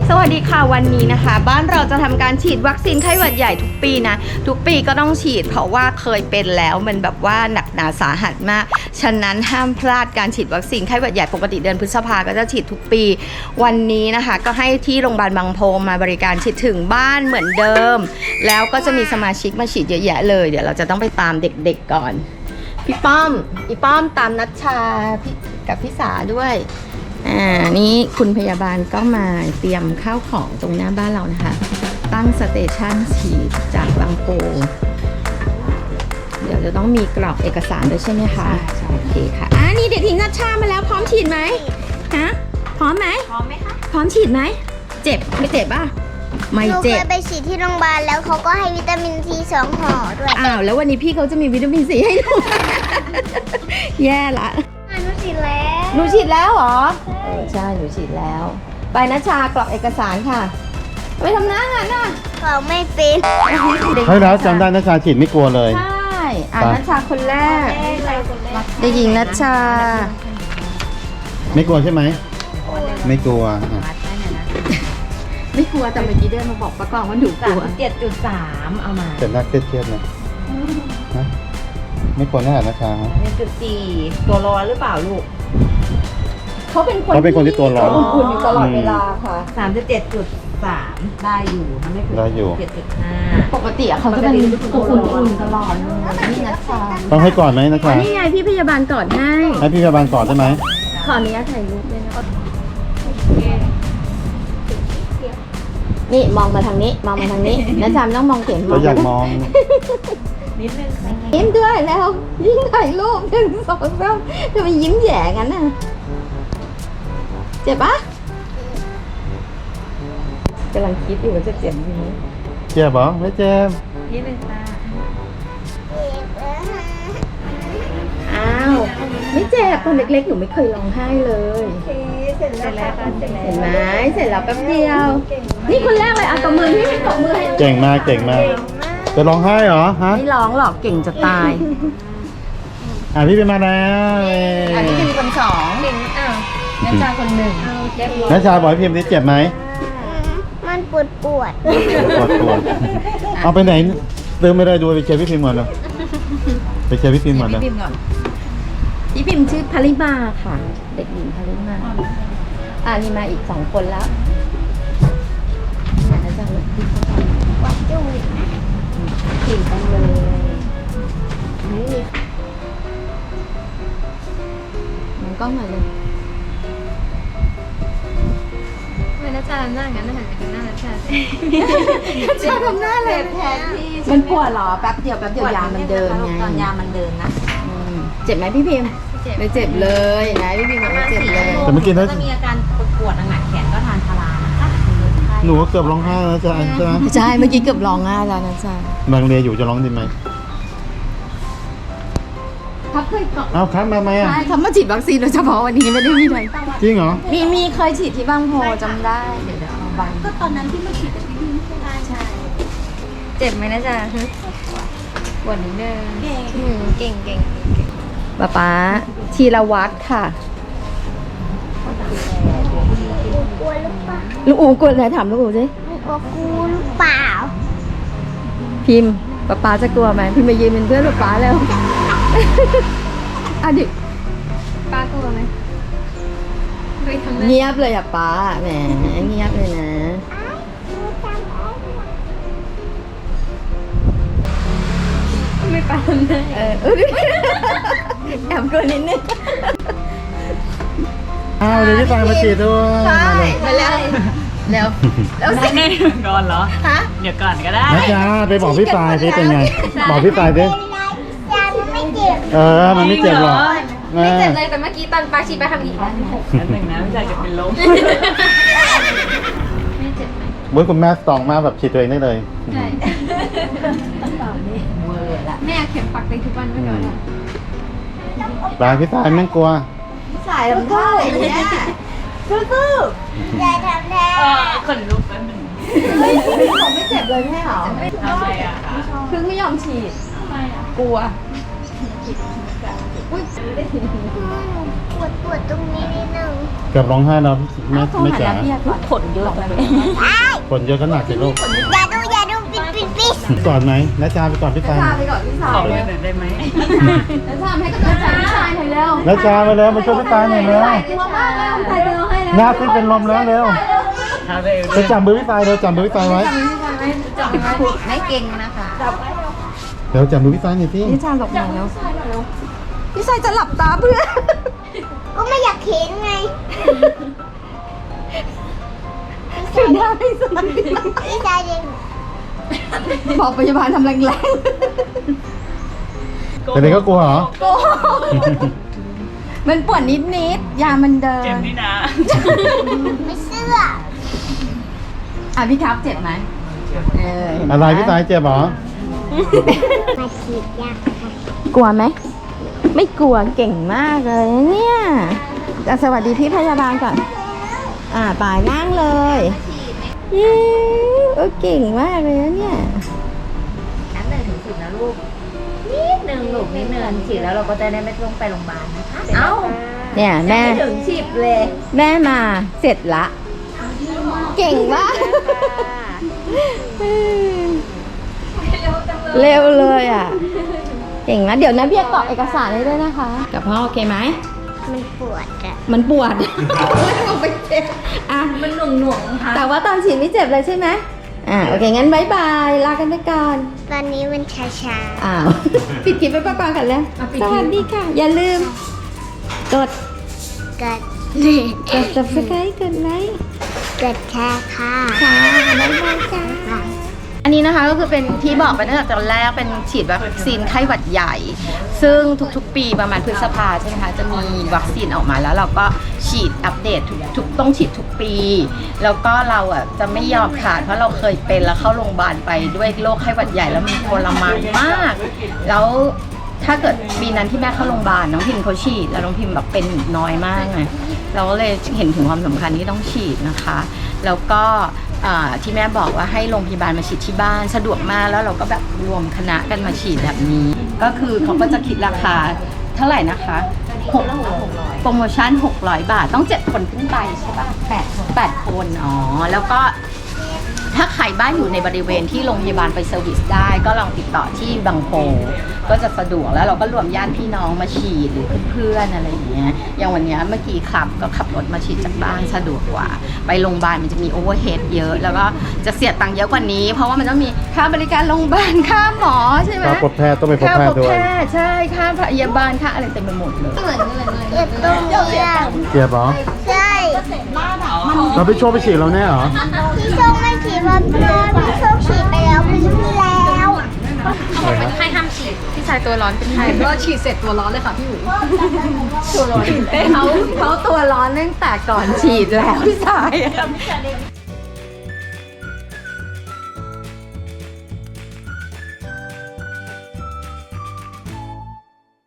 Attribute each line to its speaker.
Speaker 1: สวัสดีค่ะวันนี้นะคะบ้านเราจะทำการฉีดวัคซีนไข้หวัดใหญ่ทุกปีนะทุกปีก็ต้องฉีดเพราะว่าเคยเป็นแล้วมันแบบว่าหนักหนาสาหัสมากฉะนั้นห้ามพลาดการฉีดวัคซีนไข้หวัดใหญ่ปกติเดือนพฤษภาก็จะฉีดทุกปีวันนี้นะคะก็ให้ที่โรงพยาบาลบางโพมาบริการฉีดถึงบ้านเหมือนเดิมแล้วก็จะมีสมาชิกมาฉีดเยอะแยะเลยเดี๋ยวเราจะต้องไปตามเด็กๆก่อนพี่ป้อมตามนัชชากับพี่สาด้วยนี่คุณพยาบาลก็มาเตรียมข้าวของตรงหน้าบ้านเรานะคะตั้งสเตชันฉีดจากบางโพเดี๋ยวจะต้องมีกรอกเอกสารด้วยใช่ไหมคะใช่โอเคค่ะนี่เด็กหญิงนัชชามาแล้วพร้อมฉีดไหมฮะพร้อมไหมพร้อมไหมคะพร้อมฉีดไหมเจ็บไม่เจ็บป่ะไม่เจ็บหนูเคยไปฉีดที่โรงพยาบาลแล้วเขาก็ให้วิตามินซี2 ห่อด้วยแล้ววันนี้พี่เขาจะมีวิตามินซีให้ดู แย่ละหนูฉีดแล้วเหรอใช่หนูฉีดแล้วไปนัชชากรอกเอกสารค่ะไปทำหน้างานน่ะเขาไม่เป็น
Speaker 2: ใช่แล้วจำได้นัชชาฉีดไม่กลัวเลย
Speaker 1: ใช่นัชชาคนแรกเด็กหญิงนัชชา
Speaker 2: ไม่กลัวใช่ไหมไม่กลัว
Speaker 1: ไม่กลัวแต่เมื่อกี้เดินมาบอกป้ากองว่าหนูกลัว
Speaker 3: 7.3เอามา
Speaker 2: แต่น่าเครียดๆนะไม่กลัวแน่นัชชา
Speaker 3: 1.4ตัวร้อนหรือเปล่าลูก
Speaker 1: เขาเป็นคนที่ตัวร้อนอุ่นอยู่ตลอดเวลาค่ะ
Speaker 3: 37.3ได้อยู่ไม่
Speaker 2: ได้อยู่
Speaker 3: 7.5
Speaker 1: ปกติเขาจะเป็นอุ่นตลอดนี่นัชชา
Speaker 2: ต้องให้ก่อนไหมนัชชา
Speaker 1: นี่ไงพี่พยาบาลก่อนให้
Speaker 2: พี่พยาบาลก่อนได้ไหม
Speaker 1: ขออนุญาตถ่ายรูปด้วยนะนี่มองมาทางนี้นัชชาต้องมองเข็ม
Speaker 2: เราอยากมอง
Speaker 3: นิดนึงค่ะ
Speaker 1: ยิ้มด้วยแล้วยิ่งถ่ายรูป1 2 3ทำไมยิ้มแย่งั้นน่ะเจ็บปะกำลังคิดอยู่ว่าจะเจ็บไหม
Speaker 2: เจ็บเหรอไม่เจ็บ
Speaker 3: นิดนึงค่ะ
Speaker 1: ไม่เจ็บตอนเล็กๆหนูไม่เคยร้องไห้เลย
Speaker 3: เสร็จแล้ว
Speaker 1: เห็นไหมเสร็จแล้วแป๊บเดียวนี่คนแรกเลยตบมือพี่ตบมือให้
Speaker 2: เก่งมากจะร้องไห้เหรอฮะ
Speaker 1: ไม่ร้องหรอกเก่งจะตาย
Speaker 2: พี่เป็นมาแล้ว
Speaker 1: พี่เป็นคน2
Speaker 3: นัชชาคน1
Speaker 2: นัชชาบอกพี่พิมพ์นี่เจ็บไหม
Speaker 1: มันปวด
Speaker 2: เอาไปไหนเดินไม่ได้ดูไปเช็คพี่พิมพ์ก่อนเลยไปเช็คพี่พิมพ์ก่อนเลย
Speaker 1: พี่พิมพ์ชื่อพลิมาค่ะเด็กหญิงพลิมานี่มาอีก2 คนแล้วอาจารย์พี่เขาทำวัดจุ้ยนะขี่กันเลยนี่มันกล้องมาเลย
Speaker 3: นัชชาทำหน้างั้นหันไปดูหน้านัชชา
Speaker 1: ทำหน้าเลยแทนที่มันปวดหรอแป๊บเดียวยามันเดินไง
Speaker 3: ตอนยามันเดินนะ
Speaker 1: เจ็บไหมพี่พิมพ์ไม่เจ็บเลยนะพี่พิมพ์ไม่เจ็บเลย
Speaker 2: แต่เมื่อกี้ถ้า
Speaker 3: จะมีอาการปวดหนักแขนก็ทานพารานะคะ
Speaker 2: หนูเกือบร้องไห้แล้วจ้ะ
Speaker 1: ใช่เมื่อกี้เกือบร้องไห้แล้วนะจ๊ะ
Speaker 2: บางเรียอยู่จะร้องดีไหม
Speaker 1: ครับเคย
Speaker 2: ครับมาไหม
Speaker 1: ใช่เขามาฉีดวัคซีนโดยเฉพาะวันนี้ไม่ได้มีอะไร
Speaker 2: จริงเหรอ
Speaker 1: มีเคยฉีดที่บางโพจำได้เดี๋ยวเอาบาง
Speaker 3: ก็ตอนนั้นที่มาฉีดกับพี่พิมใช่เจ็บไหมนะจ๊ะปวดนิดนึงเก่ง
Speaker 1: ป๊าธีรวัฒน์ค่ะ
Speaker 3: กลัวหรือเปล่า
Speaker 1: ลูกอูกลัวอะไรถามลูกอูสิ
Speaker 3: กลัวหรือเปล่า
Speaker 1: พิมพ์ป๊าจะกลัวไหมพิมพ์มายืนเป็นเพื่อนป๊าแล้วดิ
Speaker 3: ป้ากลัวไหม
Speaker 1: เงียบเลยป๊าแหมเงียบเลยนะ
Speaker 3: ไม่ไปทำได้
Speaker 1: แอบกลัวนิดนึง
Speaker 2: เดี๋ยวจะตายมาฉีดด้วย
Speaker 1: ใช่มาแล้ว
Speaker 3: แน่ก่อนเหรอฮะเดี๋ยวก่อนก็ได้
Speaker 2: นัชชาไปบอกพี่ปลายสิเป็นไงบอกพี่ปลายสิ
Speaker 3: ไม่เจ็บ
Speaker 2: มันไม่เจ็บหรอก
Speaker 3: ไม่เจ็บเลยแต่เมื่อกี้ตอนปาชีไปทำอีกแล้ว1นะไม่ใช่จะเป็นลมไม่เจ็บไหม
Speaker 2: บุ้ยคุณแม่ส่องมาแบบฉีดตัวเองได้เลย
Speaker 3: ใช่แม่เข็มปักไปทุกวันไม่ก่อน
Speaker 2: ปลายพี่ปลายไม่กลัว
Speaker 1: สายทำท่าอะไรเนี่ยสู้
Speaker 3: อย่าทำแท้คนลุกแล้วหนึ่ง
Speaker 1: พี่บอกไม่เจ็บเลยแม่หรอ
Speaker 3: ทำไม
Speaker 1: คือไม่ยอมฉีดกลัว
Speaker 4: ปวดตรงนี้นิดนึง
Speaker 2: เกือบร้องไห้แล้วไม่จ๋า
Speaker 3: ผลเยอะเลย
Speaker 2: คนเยอะก็หนักสิลูก
Speaker 4: อย่าดูปิด
Speaker 2: ก่อนไหมนะจาไปก่อนพี่ตาย
Speaker 1: ไปก่อนพี่สาวเลยได้ไหมแล้วทำให้กำลังใจพี่ชายหน่อยเร็ว
Speaker 2: นะจาไปแล้วมาช่วยพี่ตายหน่อยเร็ว
Speaker 1: กลัวมากเลยใครจะร้องให้แล้ว
Speaker 2: หน้าซิเป็นลมแล้วเร็วไปจับมือพี่ตายเร็วจับมือพี่ตายไว้
Speaker 3: ไม่เก่งนะคะ
Speaker 2: เดี๋ยวจับมือพี่ตายหน่อยสิ
Speaker 1: พี่ชายหลบหน่อยแล้วพี่ชายจะหลับตาเพื่อ
Speaker 4: ก็ไม่อยากเห็นไง
Speaker 1: ถึงได้พี่ชาย
Speaker 4: พี่ชายเด็ก
Speaker 1: บอกพยาบาลทำแรง
Speaker 2: แต่เด็กก็กลัวเหรอ
Speaker 1: ๆโกมันปวดนิดๆยามันเดิน
Speaker 4: ไม่เสื้อ
Speaker 1: อ่ะพี่ครับเจ็บไหมเห็นหม
Speaker 2: อะไรพี่ตายเจ็บเหรอ
Speaker 4: มาฉีดยาก
Speaker 1: กลัวไหมไม่กลัวเก่งมากเลยนะเนี่ยอ่ะสวัสดีพี่พยาบาลก่อนปายนั่งเลยเย้เก่งมากเลยนะเนี่ย
Speaker 3: นับ1 ถึง 10นะลูก นิดนึงลูกนิดนึงฉีดแล้วเราก็จะได้ไม่ต้องไปโรงพยาบาลนะคะ เอ้า
Speaker 1: เนี่ยแม่
Speaker 3: ไม่ถึง10เลย
Speaker 1: แม่มาเสร็จละ เก่งมากเร็วเลยอ่ะ เก่งนะเดี๋ยวนะเบียร์กรอกเอกสารให้ด้วยนะคะ กับพ่อโอเคไหม
Speaker 4: มันปวดอะ
Speaker 1: มันปวด เอาไปเจ็บอ่ะ
Speaker 3: มันหน่วงๆค่ะ
Speaker 1: แต่ว่าตอนฉีดไม่เจ็บเลยใช่ไหมโอเคงั้นบายบายลากันไปก่อน
Speaker 4: ตอนนี้มันชา
Speaker 1: อ้าว ปิดคลิปไปก่อนกันแล้วสวัสดีค่ะ อย่าลืม กด
Speaker 4: ๆกัด
Speaker 1: subscribe กดไลค์
Speaker 4: กัดแค่ค่ะ
Speaker 1: ค่ะบ๊ายบายจ้าอันนี้นะคะก็คือเป็นที่บอกไปตั้งแต่ตอนแรกเป็นฉีดวัคซีนไข้หวัดใหญ่ ซึ่งทุกๆ ปีประมาณพฤษภาใช่ไหมคะจะมีวัคซีนออกมาแล้วเราก็ฉีดอัปเดตทุกต้องฉีดทุกปี แล้วก็เราอ่ะจะไม่ยอมขาดเพราะเราเคยเป็นแล้วเข้าโรงพยาบาลไปด้วยโรคไข้หวัดใหญ่แล้วมันทรมานมาก แล้วถ้าเกิดปีนั้นที่แม่เข้าโรงพยาบาลน้องพิมเขาฉีดแล้วน้องพิมแบบเป็นน้อยมากไงเราก็เลยเห็นถึงความสำคัญที่ต้องฉีดนะคะ แล้วก็ที่แม่บอกว่าให้โรงพยาบาลมาฉีดที่บ้านสะดวกมากแล้วเราก็แบบรวมคณะกันมาฉีดแบบนี้ ก็คือเขาก็จะคิดราคาเท่าไหร่นะคะ6โปรโมชั่น600 บาทต้อง7 คนขึ้นไปใช่ปะ8 คนอ๋อแล้วก็ถ้าใครบ้านอยู่ในบริเวณที่โรงพยาบาลไปเซอร์วิสได้ก็ลองติดต่อที่บางโพก็จะสะดวกแล้วเราก็รวมญาติพี่น้องมาฉีดหรือเพื่อนๆอะไรอย่างเงี้ยอย่างวันเนี้ยเมื่อกี้ครับก็ขับรถมาฉีดจากบ้านสะดวกกว่าไปโรงพยาบาลมันจะมีโอเวอร์เฮดเยอะแล้วก็จะเสียตังค์เยอะกว่านี้ เพราะว่ามันต้องมีค่าบริการโรงพยาบาลค่าหมอใช่ไหม
Speaker 2: ค่าพบแพทย์ต้องไปพบ
Speaker 1: ค่า
Speaker 2: แพ
Speaker 1: พ
Speaker 2: ท
Speaker 1: บ
Speaker 2: ย์ด้ว
Speaker 1: แพ
Speaker 2: ย
Speaker 1: ทย์ใช่ค่าพยาบาลค่าอะไรเต็มไปหมดเลย
Speaker 4: เจ็บตรงนี้อะ
Speaker 2: เจ็บเหรอ
Speaker 4: ใช่
Speaker 2: เราไปโชว์ไปฉีดเราแน่เหรอ
Speaker 4: พี่โชคไม่ฉีดมาพี่โชคฉีดไปแล้วปีที่แล้ว
Speaker 3: เป็นไข้ห้ามฉีด
Speaker 1: พี่ชายตัวร้อนเป็นไงก็ฉีดเสร็จตัวร้อนเลยค่ะพี่หมูตัวร้อนเขาตัวร้อนตั้งแต่ก่อนฉีดแล้วพี่ชาย